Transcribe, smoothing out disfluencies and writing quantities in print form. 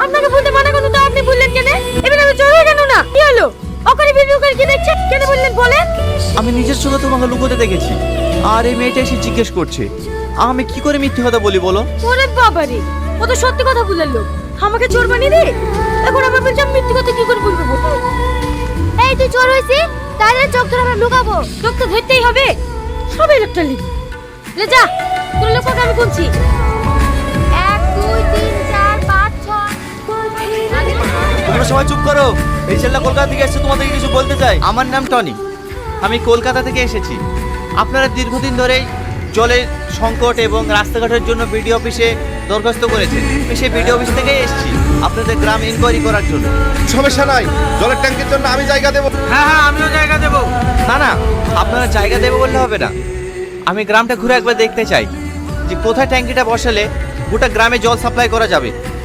আপনাকে বলতে মানা করতে তো আপনি বললেন কেন? এবার আমি চলে কেন না? কি হলো? ওখানে ভিডিও করে কি দেখছেন? কেন বললেন বলেন? আমি নিজের চোখে তোমাকে লুকোতে দেখেছি, আর এই মেয়েটা এসে জিজ্ঞেস করছে। আমি কি করে মিথ্যে কথা বলি বলো? ওরে বাবারে, ও তো সত্যি কথা বললেন লোক। আমাকে চোর বানিয়ে দে। এখন আমার বলছি আমি মিথ্যে কথা কি করে বলবো? এই তুই চোর হইছিস, তাহলে চোখ ধরে আমরা লুকাবো। চোখ তো ধরতেই হবে। সবাই লোকটা লিখি। লে যা, তোর লোককে আমি গুনছি। 1 2 3 4 5 6। তোমরা সবাই চুপ করো। এই ছেলেটা কলকাতা থেকে এসেছে, তোমাদেরকে কিছু বলতে চাই। আমার নাম টনি, আমি কলকাতা থেকে এসেছি। আপনারা দীর্ঘদিন ধরেই জলের সংকট এবং রাস্তাঘাটের জন্য বিডিও অফিসে দরখাস্ত করেছেন। আমি সেই বিডিও অফিস থেকেই এসেছি আপনাদের গ্রাম ইনকোয়ারি করার জন্য। সমস্যা নাই, জলের ট্যাঙ্কের জন্য আমি জায়গা দেবো। হ্যাঁ, আমিও জায়গা দেব। না না, আপনারা জায়গা দেবো বললে হবে না। আমি গ্রামটা ঘুরে একবার দেখতে চাই যে কোথায় ট্যাঙ্কিটা বসালে গোটা গ্রামে জল সাপ্লাই করা যাবে।